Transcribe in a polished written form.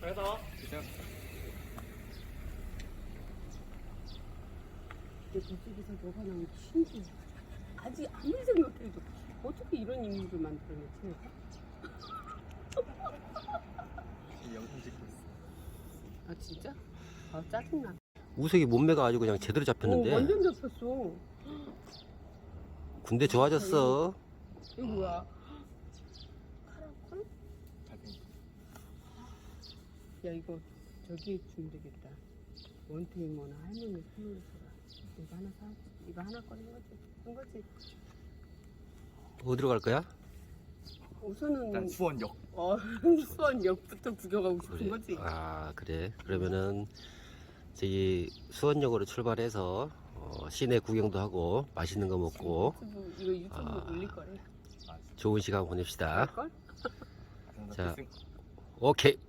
그래서 내 저쪽에서 너가 나면 신기해. 아직 아무리 생각해도 어떻게 이런 인물을 만들어냈지 내가? 영상 찍고 있어. 아 진짜? 아 짜증나. 우석이 몸매가 아주 그냥 제대로 잡혔는데. 완전 잡혔어. 군대 좋아졌어. 이거 뭐야? 카라콜? 야 이거 저기에 주면 되겠다. 원태이모나 할머니 선물로 줘라. 이거 하나 사. 이거 하나 꺼낸 거지. 한 거지. 어디로 갈 거야? 우선은 일단 수원역. 수원역부터 구경하고 싶은 그래. 거지. 아 그래. 그러면은 저기 수원역으로 출발해서 시내 구경도 하고 맛있는 거 먹고 이거 유튜브 올릴 거래. 좋은 시간 보냅시다. 걸? 자, 오케이.